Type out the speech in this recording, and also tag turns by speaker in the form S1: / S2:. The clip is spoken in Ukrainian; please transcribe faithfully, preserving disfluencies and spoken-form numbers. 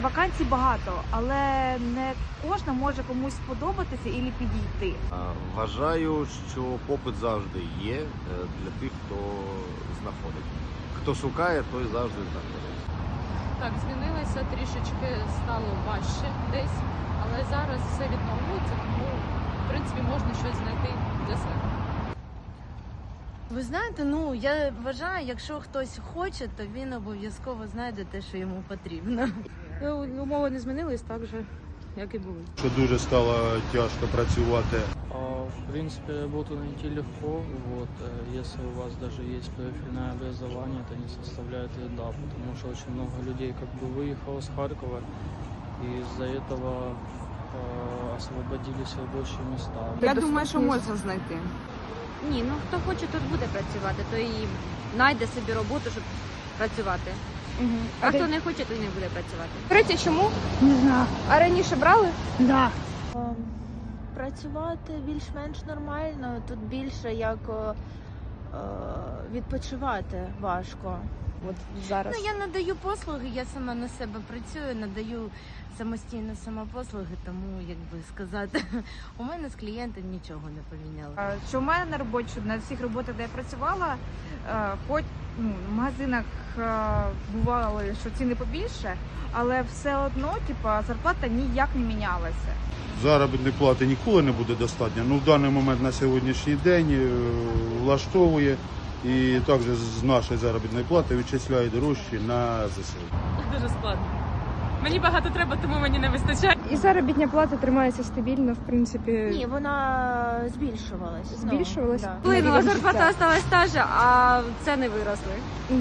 S1: Вакансій багато, але не кожна може комусь сподобатися і підійти.
S2: Вважаю, що попит завжди є для тих, хто знаходить. Хто шукає, той завжди знаходить.
S3: Так, змінилося трішечки, стало важче десь, але зараз все відновлюється, тому в принципі можна щось знайти для себе.
S4: Ви знаєте, ну я вважаю, якщо хтось хоче, то він обов'язково знайде те, що йому потрібно.
S3: Умови не змінились так же, як і були.
S5: Що дуже стало тяжко працювати.
S6: В принципе, работу найти легко. Вот, если у вас даже есть профильное образование, это не составляет вреда, потому что очень много людей как бы выехало с Харькова, и из-за этого э, освободились рабочие места.
S1: Я думаю, що можна знайти.
S7: Ні, ну хто хоче, тут буде працювати, то і знайде собі роботу, щоб працювати.
S8: Угу.
S7: А, а хто не хоче, то й не буде працювати.
S8: Третє, чому?
S9: Не знаю.
S8: А раніше брали?
S9: Да.
S4: Працювати більш-менш нормально, тут більше як е, відпочивати важко.
S8: От зараз.
S4: Ну, я надаю послуги, я сама на себе працюю, надаю самостійно самопослуги, тому, як би сказати, у мене з клієнтом нічого не помінялося.
S1: Що в мене на роботі, що на всіх роботах, де я працювала, хоч ну, в магазинах бувало, що ціни побільше, але все одно типа, зарплата ніяк не мінялася.
S5: Заробітної плати ніколи не буде достатньо, ну в даний момент на сьогоднішній день влаштовує і також з нашої заробітної плати відчисляє дорожчі на ЗСУ.
S3: Дуже складно. Мені багато треба, тому мені не вистачає.
S8: І заробітня плата тримається стабільно, в принципі.
S4: Ні, вона збільшувалась.
S8: Збільшувалась?
S4: Ну, да.
S7: Вплинула зарплата, осталась та же, а ціни виросли.